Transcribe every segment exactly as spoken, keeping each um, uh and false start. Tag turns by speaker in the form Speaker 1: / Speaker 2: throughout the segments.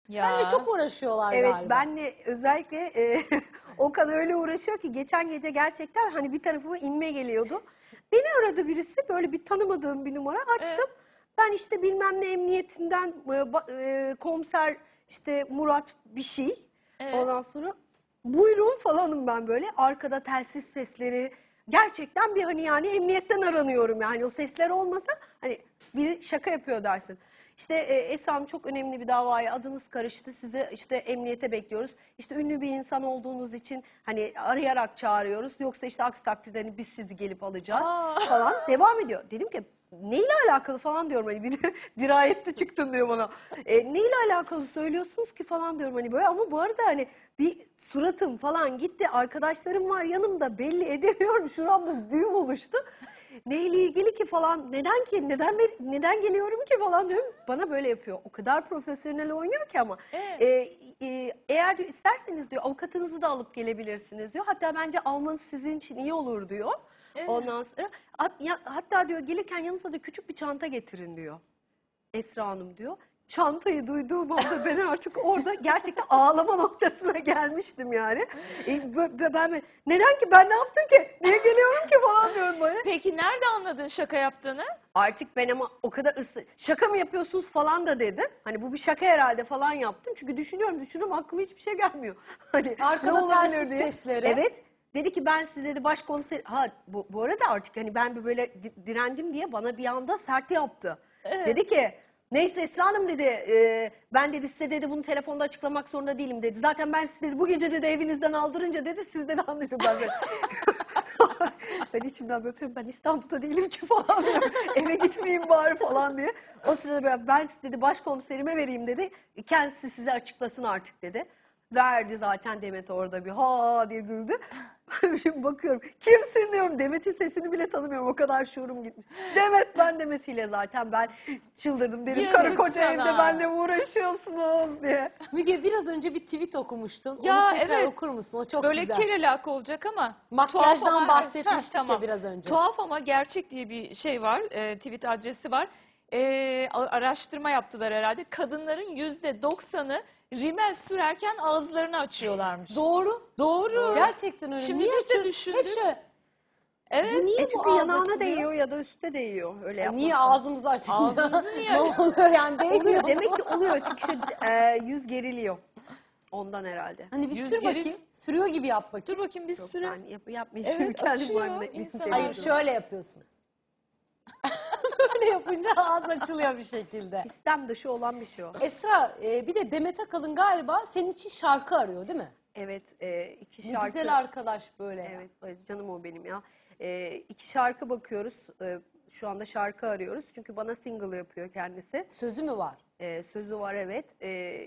Speaker 1: Seninle
Speaker 2: Ya.
Speaker 1: çok uğraşıyorlar
Speaker 3: Evet,
Speaker 1: galiba.
Speaker 3: benle özellikle e, o kadar öyle uğraşıyor ki geçen gece gerçekten hani bir tarafıma inme geliyordu. Beni aradı birisi, böyle bir tanımadığım bir numara açtım.
Speaker 2: Evet.
Speaker 3: Ben işte bilmem ne emniyetinden e, ba- e, komiser işte Murat bir şey.
Speaker 2: Evet.
Speaker 3: Ondan sonra buyurun falanım ben böyle. Arkada telsiz sesleri, gerçekten bir hani yani emniyetten aranıyorum yani, o sesler olmasa hani biri şaka yapıyor dersin. İşte e, Esra Hanım, çok önemli bir davaya adınız karıştı. Sizi işte emniyete bekliyoruz. İşte ünlü bir insan olduğunuz için hani arayarak çağırıyoruz. Yoksa işte aksi takdirde hani biz sizi gelip alacağız
Speaker 2: Aa.
Speaker 3: falan. Devam ediyor. Dedim ki neyle alakalı falan diyorum, hani bir dirayetli çıktın diyor bana. E, neyle alakalı söylüyorsunuz ki falan diyorum hani böyle, ama bu arada hani bir suratım falan gitti. Arkadaşlarım var yanımda, belli edemiyorum. Şuramda düğüm oluştu. Neyle ilgili ki falan, neden ki, neden neden geliyorum ki falan diyorum. Bana böyle yapıyor. O kadar profesyonel oynuyor ki ama.
Speaker 2: Evet.
Speaker 3: E, e, eğer diyor isterseniz diyor avukatınızı da alıp gelebilirsiniz diyor. Hatta bence almanız sizin için iyi olur diyor.
Speaker 2: Evet.
Speaker 3: Ondan sonra hat- ya- hatta diyor gelirken yanınıza da küçük bir çanta getirin diyor. Esra Hanım diyor. Çantayı duyduğum anda ben artık orada gerçekten ağlama noktasına gelmiştim yani. E, bö- bö- ben mi- neden ki, ben ne yaptım ki? Niye geliyorum ki falan diyorum böyle.
Speaker 2: Peki nerede anladın şaka yaptığını?
Speaker 3: Artık ben ama o kadar ısı, şaka mı yapıyorsunuz falan da dedim. Hani bu bir şaka herhalde falan yaptım. Çünkü düşünüyorum düşünüyorum aklıma hiçbir şey gelmiyor. Hani
Speaker 1: Arkada
Speaker 3: ne olabilir
Speaker 1: telsiz
Speaker 3: diye.
Speaker 1: sesleri.
Speaker 3: Evet. Dedi ki ben size dedi başkomiser, ha bu, bu arada artık hani ben bir böyle di- direndim diye bana bir anda sert yaptı.
Speaker 2: Evet.
Speaker 3: Dedi ki neyse Esra Hanım dedi, e, ben dedi size dedi bunu telefonda açıklamak zorunda değilim dedi. Zaten ben sizi dedi bu gece dedi evinizden aldırınca dedi siz dedi anlıyorsunuz. Ben böyle ben içimden böyle yapıyorum, ben İstanbul'da değilim ki falan diyorum. Eve gitmeyeyim bari falan diye. O sırada ben, ben size dedi başkomiserime vereyim dedi. Kendisi size açıklasın artık dedi. Verdi zaten, Demet orada bir ha diye güldü. Şimdi bakıyorum kimsin diyorum, Demet'in sesini bile tanımıyorum, o kadar şuurum gitmiş. Demet ben demesiyle zaten ben çıldırdım, dedim
Speaker 2: Yazık
Speaker 3: karı koca
Speaker 2: sana.
Speaker 3: evde benimle mi uğraşıyorsunuz diye.
Speaker 1: Müge, biraz önce bir tweet okumuştun.
Speaker 2: Ya,
Speaker 1: Onu tekrar
Speaker 2: evet.
Speaker 1: okur musun? O çok
Speaker 2: Böyle
Speaker 1: güzel.
Speaker 2: kerelak olacak ama.
Speaker 1: Makyajdan
Speaker 2: tuhaf ama-
Speaker 1: bahsetmiştik
Speaker 2: Heh,
Speaker 1: ya
Speaker 2: tamam.
Speaker 1: biraz önce.
Speaker 2: Tuhaf ama gerçek diye bir şey var. E, tweet adresi var. E, a- araştırma yaptılar herhalde. Kadınların yüzde doksanı rimel sürerken ağızlarını açıyorlarmış.
Speaker 1: Doğru.
Speaker 2: Doğru.
Speaker 1: Gerçekten öyle.
Speaker 2: Şimdi
Speaker 1: Niye
Speaker 2: biz de
Speaker 1: açıyoruz?
Speaker 2: düşündük.
Speaker 1: Hep şöyle.
Speaker 2: Evet.
Speaker 1: Bu niye
Speaker 3: E
Speaker 1: bu
Speaker 3: çünkü
Speaker 1: ağız
Speaker 3: yanağına
Speaker 1: açılıyor?
Speaker 3: değiyor ya da üstte değiyor, öyle
Speaker 1: E
Speaker 3: yapmak.
Speaker 1: niye ağzımızı açınca?
Speaker 2: Ağzımızı niye
Speaker 1: Ne
Speaker 2: açıyoruz?
Speaker 1: oluyor yani, değmiyor
Speaker 3: Oluyor
Speaker 1: mu?
Speaker 3: demek ki, oluyor çünkü şu e, yüz geriliyor. Ondan herhalde.
Speaker 1: Hani bir
Speaker 2: Yüz
Speaker 1: sür
Speaker 2: geri-
Speaker 1: bakayım. Sürüyor gibi yap bakayım.
Speaker 2: Dur bakayım bir
Speaker 3: Yok
Speaker 2: süre.
Speaker 3: ben yap, yapmayayım çünkü
Speaker 2: Evet,
Speaker 3: kendim
Speaker 2: açıyor
Speaker 3: halimle
Speaker 2: insan
Speaker 1: Hayır,
Speaker 2: ağzını.
Speaker 1: şöyle yapıyorsun. Böyle yapınca ağız açılıyor bir şekilde.
Speaker 3: İstem dışı olan bir şey o.
Speaker 1: Esra, e, bir de Demet Akalın galiba senin için şarkı arıyor değil mi?
Speaker 3: Evet, e, iki
Speaker 1: Ne
Speaker 3: şarkı.
Speaker 1: güzel arkadaş böyle ya.
Speaker 3: Evet, evet, canım o benim ya. E, iki şarkı bakıyoruz. E, şu anda şarkı arıyoruz. Çünkü bana single yapıyor kendisi.
Speaker 1: Sözü mü var?
Speaker 3: E, sözü var, evet. E,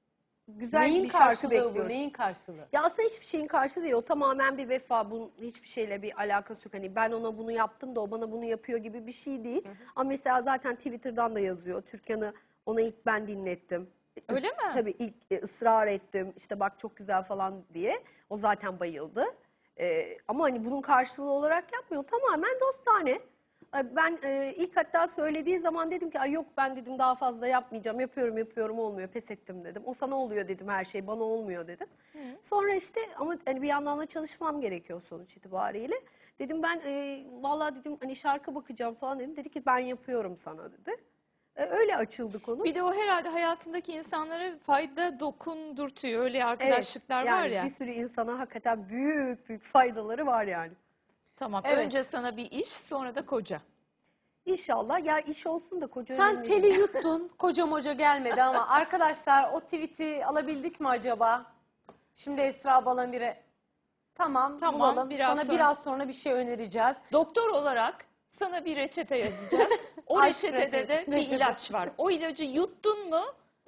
Speaker 3: güzel
Speaker 1: Neyin
Speaker 3: bir şarkı
Speaker 1: karşılığı bu?
Speaker 3: bekliyoruz.
Speaker 1: Neyin karşılığı?
Speaker 3: Ya aslında hiçbir şeyin karşılığı değil. O tamamen bir vefa. Bunun hiçbir şeyle bir alakası yok. Hani ben ona bunu yaptım da o bana bunu yapıyor gibi bir şey değil. Ama mesela zaten Twitter'dan da yazıyor. Türkan'ı ona ilk ben dinlettim.
Speaker 2: Öyle mi?
Speaker 3: Tabii ilk e, ısrar ettim. İşte bak çok güzel falan diye. O zaten bayıldı. Ee, ama hani bunun karşılığı olarak yapmıyor. Tamamen dostane. Ay, Ben e, ilk hatta söylediği zaman dedim ki ay yok ben dedim daha fazla yapmayacağım. Yapıyorum yapıyorum olmuyor, pes ettim dedim. O sana oluyor dedim, her şey bana olmuyor dedim. Sonra işte ama hani bir yandan da çalışmam gerekiyor sonuç itibariyle. Dedim ben e, vallahi dedim hani şarkı bakacağım falan dedim. Dedi ki ben yapıyorum sana dedi. E, öyle açıldı konu.
Speaker 2: Bir de o herhalde hayatındaki insanlara fayda dokundurtuyor. Öyle arkadaşlıklar
Speaker 3: yani
Speaker 2: var ya.
Speaker 3: bir sürü insana hakikaten büyük büyük faydaları var yani.
Speaker 2: Tamam.
Speaker 1: Evet.
Speaker 2: Önce sana bir iş, sonra da koca.
Speaker 3: İnşallah ya, iş olsun da koca
Speaker 1: Sen
Speaker 3: önemli
Speaker 1: teli
Speaker 3: değil.
Speaker 1: yuttun, koca moca gelmedi ama arkadaşlar o tweet'i alabildik mi acaba? Şimdi Esra Balamir'e tamam,
Speaker 2: Tamam,
Speaker 1: bulalım.
Speaker 2: biraz
Speaker 1: Sana
Speaker 2: sonra.
Speaker 1: biraz sonra bir şey önereceğiz.
Speaker 2: Doktor olarak sana bir reçete yazacağız. O
Speaker 1: Aşk
Speaker 2: reçetede de
Speaker 1: reçete-
Speaker 2: bir
Speaker 1: reçete.
Speaker 2: ilaç var. O ilacı yuttun mu?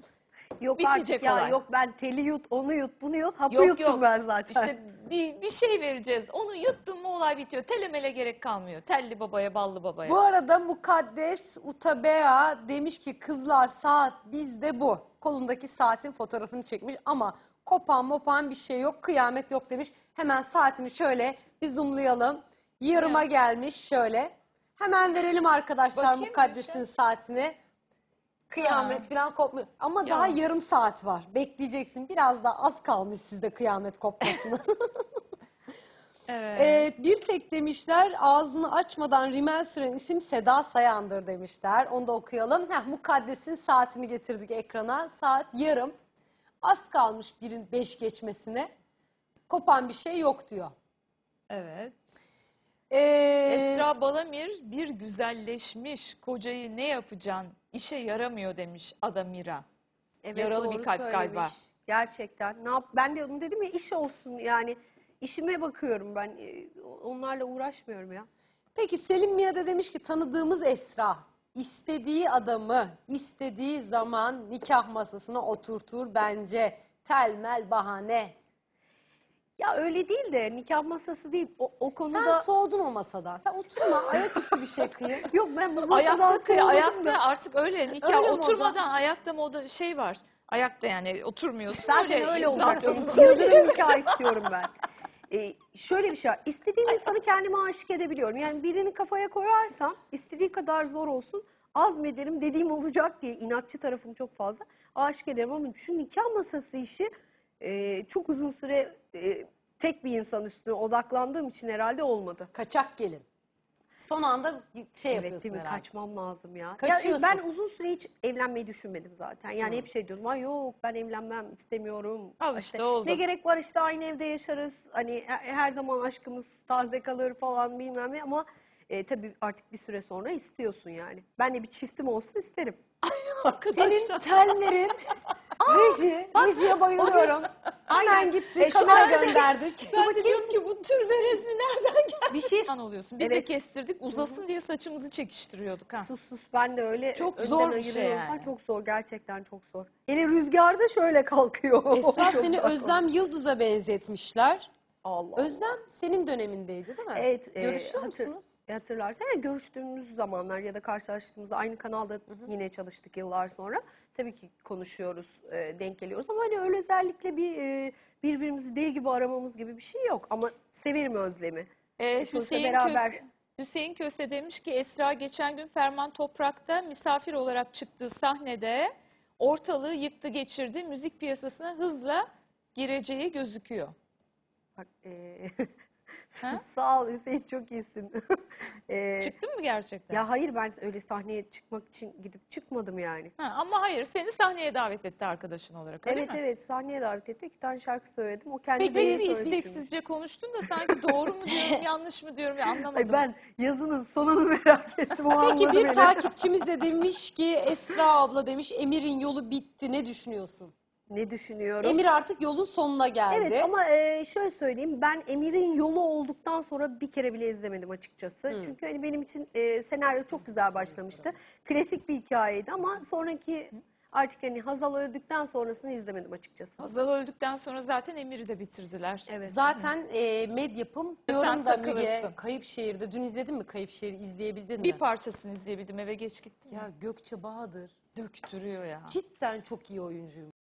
Speaker 3: Yok
Speaker 2: Bitecek
Speaker 3: artık ya,
Speaker 2: olay.
Speaker 3: yok ben teli yut, onu yut, bunu yut, hapı
Speaker 2: Yok
Speaker 3: yuttum
Speaker 2: yok.
Speaker 3: ben zaten.
Speaker 2: İşte bir, bir şey vereceğiz. Onu yuttun mu olay bitiyor. Telemele gerek kalmıyor. Telli babaya, ballı babaya.
Speaker 1: Bu arada Mukaddes Utabea demiş ki kızlar saat bizde bu. Kolundaki saatin fotoğrafını çekmiş ama kopan mopan bir şey yok, kıyamet yok demiş. Hemen saatini şöyle bir zoomlayalım. Yarıma
Speaker 2: Ya.
Speaker 1: gelmiş şöyle. Hemen verelim arkadaşlar
Speaker 2: Bakayım
Speaker 1: Mukaddes'in
Speaker 2: Gülşen.
Speaker 1: saatini. Kıyamet falan kopmuyor. Ama
Speaker 2: Ya.
Speaker 1: daha yarım saat var. Bekleyeceksin. Biraz da az kalmış sizde kıyamet kopmasına.
Speaker 2: Evet.
Speaker 1: Evet, bir tek demişler ağzını açmadan rimel süren isim Seda Sayan'dır demişler. Onu da okuyalım. Heh, Mukaddes'in saatini getirdik ekrana. Saat yarım. Az kalmış birin beş geçmesine. Kopan bir şey yok diyor.
Speaker 2: Evet.
Speaker 1: Ee,
Speaker 2: Esra Balamir bir güzelleşmiş kocayı ne yapacaksın işe yaramıyor demiş Adamira.
Speaker 3: Evet,
Speaker 2: Yaralı
Speaker 3: doğru
Speaker 2: bir kalp
Speaker 3: söylemiş.
Speaker 2: galiba.
Speaker 3: Gerçekten. Ne yap? Ben de onu dedim ya, iş olsun yani. İşime bakıyorum ben. e, Onlarla uğraşmıyorum ya.
Speaker 1: Peki Selim Mia da demiş ki tanıdığımız Esra istediği adamı istediği zaman nikah masasına oturtur bence. Telmel bahane.
Speaker 3: Ya öyle değil de, nikah masası değil. O, o
Speaker 1: Sen
Speaker 3: konuda...
Speaker 1: soğudun o masadan. Sen oturma ayaküstü bir şey kıyın.
Speaker 3: Yok, ben bu masadan
Speaker 2: Ayakta kıy,
Speaker 3: soğudum
Speaker 2: ayakta
Speaker 3: da.
Speaker 2: artık öyle nikah
Speaker 1: Öyle moda.
Speaker 2: oturmadan ayakta moda şey var. Ayakta yani oturmuyorsun.
Speaker 3: Zaten öyle
Speaker 2: imza
Speaker 3: olacak.
Speaker 2: atıyorsun.
Speaker 3: Yıldırım nikah istiyorum ben. Ee, şöyle bir şey var. İstediğim insanı kendime aşık edebiliyorum. Yani birini kafaya koyarsam istediği kadar zor olsun azmederim, dediğim olacak diye inatçı tarafım çok fazla. Aşık ederim ama şu nikah masası işi e, çok uzun süre e, tek bir insan üstüne odaklandığım için herhalde olmadı.
Speaker 1: Kaçak gelin. Son anda şey
Speaker 3: Evet,
Speaker 1: yapıyorsun
Speaker 3: değil mi?
Speaker 1: herhalde.
Speaker 3: Kaçmam lazım ya. Ya
Speaker 1: Kaçıyorsun.
Speaker 3: ben uzun süre hiç evlenmeyi düşünmedim zaten. Yani
Speaker 1: Hı.
Speaker 3: hep şey diyordum. Ay yok, ben evlenmem, istemiyorum.
Speaker 2: Al işte, oldu.
Speaker 3: Ne gerek var, işte aynı evde yaşarız. Hani he- her zaman aşkımız taze kalır falan bilmem ne, ama e, tabii artık bir süre sonra istiyorsun yani. Ben de bir çiftim olsun isterim.
Speaker 1: Senin tellerin reji, rejiye bayılıyorum. Hemen
Speaker 3: Aynen.
Speaker 1: gitti,
Speaker 3: E, şu
Speaker 1: kamera
Speaker 3: anda-
Speaker 1: gönderdik.
Speaker 2: Ben de diyorum ki bu türbe resmi nereden geldi?
Speaker 3: Bir şey
Speaker 2: İnsan oluyorsun. Biz de
Speaker 3: Evet.
Speaker 2: kestirdik uzasın diye saçımızı çekiştiriyorduk ha.
Speaker 3: sus sus, ben de öyle
Speaker 2: Çok
Speaker 3: önden
Speaker 2: zor bir şey
Speaker 3: ayırıyorum
Speaker 2: yani.
Speaker 3: falan. Çok zor, gerçekten çok zor. Hele rüzgarda şöyle kalkıyor.
Speaker 1: Esra
Speaker 3: Çok
Speaker 1: seni
Speaker 3: zor.
Speaker 1: Özlem Yıldız'a benzetmişler.
Speaker 3: Allah.
Speaker 1: Özlem senin dönemindeydi değil mi?
Speaker 3: Evet. e,
Speaker 1: Görüşüyor
Speaker 3: hatır-
Speaker 1: musunuz?
Speaker 3: Hatırlarsan ya, görüştüğümüz zamanlar ya da karşılaştığımızda aynı kanalda yine çalıştık yıllar sonra. Tabii ki konuşuyoruz, e, denk geliyoruz ama hani öyle özellikle bir e, birbirimizi deli gibi aramamız gibi bir şey yok. Ama severim Özlem'i.
Speaker 2: Ee,
Speaker 3: Sonuçta
Speaker 2: Hüseyin,
Speaker 3: beraber-
Speaker 2: Köse, Hüseyin Köse demiş ki Esra geçen gün Ferman Toprak'ta misafir olarak çıktığı sahnede ortalığı yıktı geçirdi. Müzik piyasasına hızla gireceği gözüküyor.
Speaker 3: Bak, e,
Speaker 2: Ha?
Speaker 3: sağ ol Hüseyin, çok iyisin. E,
Speaker 2: Çıktın mı gerçekten?
Speaker 3: ya hayır, ben öyle sahneye çıkmak için gidip çıkmadım yani.
Speaker 2: Ha, ama hayır seni sahneye davet etti arkadaşın olarak öyle
Speaker 3: Evet
Speaker 2: mi?
Speaker 3: evet, sahneye davet etti. İki tane şarkı söyledim. O kendi
Speaker 1: Peki,
Speaker 3: beni
Speaker 2: Pek bir
Speaker 3: söyledi şimdi.
Speaker 2: isteksizce konuştun da sanki doğru mu diyorum yanlış mı diyorum ya anlamadım.
Speaker 3: Ay, ben yazının sonunu merak ettim. O
Speaker 1: Peki
Speaker 3: anladı
Speaker 1: bir
Speaker 3: beni.
Speaker 1: takipçimiz de demiş ki Esra abla demiş Emir'in yolu bitti ne düşünüyorsun?
Speaker 3: Ne düşünüyorum?
Speaker 1: Emir artık yolun sonuna geldi.
Speaker 3: Evet, ama e, şöyle söyleyeyim, ben Emir'in yolu olduktan sonra bir kere bile izlemedim açıkçası.
Speaker 1: Hmm.
Speaker 3: Çünkü hani benim için e, senaryo çok güzel başlamıştı. Klasik bir hikayeydi ama sonraki artık hani Hazal öldükten sonrasını izlemedim açıkçası.
Speaker 2: Hazal öldükten sonra zaten Emir'i de bitirdiler.
Speaker 3: Evet.
Speaker 1: Zaten e, Medyapım diyorum
Speaker 2: Sen
Speaker 1: da Müge
Speaker 2: takılırsın.
Speaker 1: Kayıpşehir'de dün izledin mi Kayıpşehir'i izleyebildin mi?
Speaker 2: Bir parçasını izleyebildim eve geç gittim.
Speaker 1: Ya Gökçe Bahadır
Speaker 2: Döktürüyor ya.
Speaker 1: cidden çok iyi oyuncuymuş.